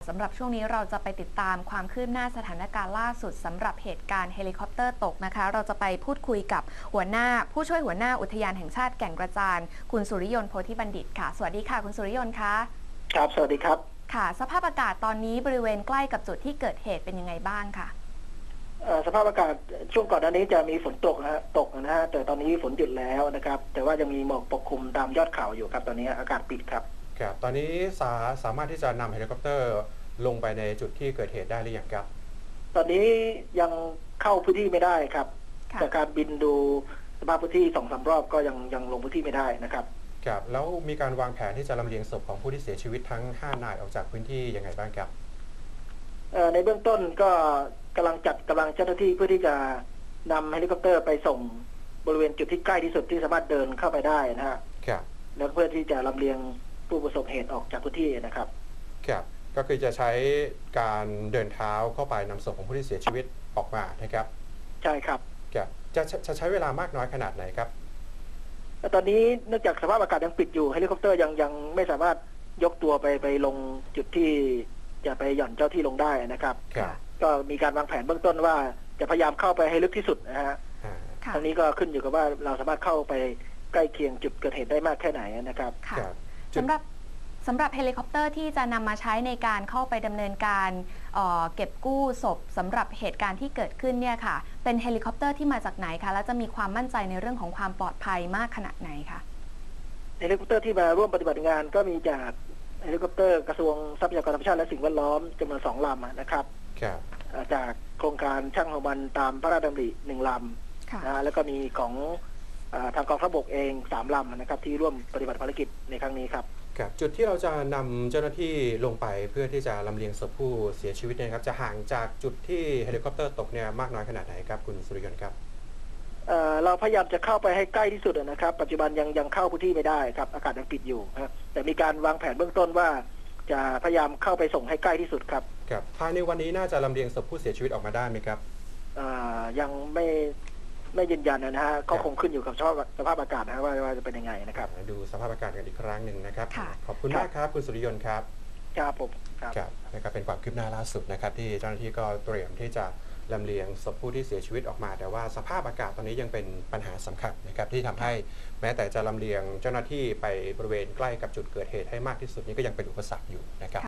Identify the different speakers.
Speaker 1: สำหรับช่วงนี้เราจะไปติดตามความคืบหน้าสถานการณ์ล่าสุดสำหรับเหตุการณ์เฮลิคอปเตอร์ตกนะคะเราจะไปพูดคุยกับผู้ช่วยหัวหน้าอุทยานแห่งชาติแก่งกระจานคุณสุริยนต์โพธิบัณฑิตค่ะสวัสดีค่ะคุณสุริยนต์คะ
Speaker 2: ครับสวัสดีครับ
Speaker 1: ค่ะสภาพอากาศตอนนี้บริเวณใกล้กับจุดที่เกิดเหตุเป็นยังไงบ้างค่ะ
Speaker 2: สภาพอากาศช่วงก่อนหน้านี้จะมีฝนตกนะฮะแต่ตอนนี้ฝนหยุดแล้วนะครับแต่ว่ายังมีหมอกปกคลุมตามยอดเขาอยู่ครับตอนนี้อากาศปิดครับ
Speaker 3: ครับตอนนี้สามารถที่จะนำเฮลิคอปเตอร์ลงไปในจุดที่เกิดเหตุได้หรือยังครับ
Speaker 2: ตอนนี้ยังเข้าพื้นที่ไม่ได้ครับจากการบินดูสภาพพื้นที่2-3 รอบก็ยังลงพื้นที่ไม่ได้นะครับ
Speaker 3: ครับแล้วมีการวางแผนที่จะลำเลียงศพของผู้ที่เสียชีวิตทั้ง5 นายออกจากพื้นที่ยังไงบ้างครับ
Speaker 2: ในเบื้องต้นก็กำลังจัดกำลังเจ้าหน้าที่เพื่อที่จะนำเฮลิคอปเตอร์ไปส่งบริเวณจุดที่ใกล้ที่สุดที่สามารถเดินเข้าไปได้นะฮะ
Speaker 3: ครับ
Speaker 2: แล้วเพื่อที่จะลำเลียงผู้ประสบเหตุออกจากพื้นที่นะครับ
Speaker 3: ครับก็คือจะใช้การเดินเท้าเข้าไปนำศพของผู้ที่เสียชีวิตออกมานะครับ
Speaker 2: ใช่ครับ
Speaker 3: ครับจะใช้เวลามากน้อยขนาดไหนครับ
Speaker 2: ตอนนี้เนื่องจากสภาพอากาศยังปิดอยู่เฮลิคอปเตอร์ยังไม่สามารถยกตัวไปลงจุดที่จะไปหย่อนเจ้าที่ลงได้นะครับก็มีการวางแผนเบื้องต้นว่าจะพยายามเข้าไปให้ลึกที่สุดนะฮะทั้งนี้ก็ขึ้นอยู่กับว่าเราสามารถเข้าไปใกล้เคียงจุดเกิดเหตุได้มากแค่ไหนนะครับ
Speaker 1: สำหรับเฮลิคอปเตอร์ที่จะนำมาใช้ในการเข้าไปดำเนินการเก็บกู้ศพสำหรับเหตุการณ์ที่เกิดขึ้นเนี่ยค่ะเป็นเฮลิคอปเตอร์ที่มาจากไหนคะและจะมีความมั่นใจในเรื่องของความปลอดภัยมากขนาดไหนคะ
Speaker 2: เฮลิคอปเตอร์ที่มาร่วมปฏิบัติงานก็มีจากเฮลิคอปเตอร์กระทรวงทรัพยากรธรรมชาติและสิ่งแวดล้อมจำนวน2 ลำนะครับจากโครงการช่างหัวมันตามพระราชดำริ1 ลำนะแล้วก็มีของทางกองทัพบกเอง3 ลำนะครับที่ร่วมปฏิบัติภารกิจในครั้งนี้ครับ
Speaker 3: จุดที่เราจะนำเจ้าหน้าที่ลงไปเพื่อที่จะลำเลียงศพผู้เสียชีวิตเนี่ยครับจะห่างจากจุดที่เฮลิคอปเตอร์ตกเนี่ยมากน้อยขนาดไหนครับคุณสุริยนต์ครับ
Speaker 2: เราพยายามจะเข้าไปให้ใกล้ที่สุดนะครับปัจจุบันยังเข้าพื้นที่ไม่ได้ครับอากาศยังปิดอยู่ครับแต่มีการวางแผนเบื้องต้นว่าจะพยายามเข้าไปส่งให้ใกล้ที่สุดครับ
Speaker 3: ภายในวันนี้น่าจะลำเลียงศพผู้เสียชีวิตออกมาได้ไหมครับ
Speaker 2: ยังไม่ยืนยันนะฮะก็คงขึ้นอยู่กับสภาพอากาศนะว่าจะเป็นยังไงนะครับ
Speaker 3: ดูสภาพอากาศกันอีกครั้งหนึ่งนะครับขอบคุณมากครับคุณสุริยนต์ครับ
Speaker 2: ครับผม
Speaker 3: ครับนะครับเป็นความคืบหน้าล่าสุดนะครับที่เจ้าหน้าที่ก็เตรียมที่จะลำเลียงศพผู้ที่เสียชีวิตออกมาแต่ว่าสภาพอากาศตอนนี้ยังเป็นปัญหาสำคัญนะครับที่ทำให้แม้แต่จะลำเลียงเจ้าหน้าที่ไปบริเวณใกล้กับจุดเกิดเหตุให้มากที่สุดนี้ก็ยังเป็นอุปสรรคอยู่นะครับ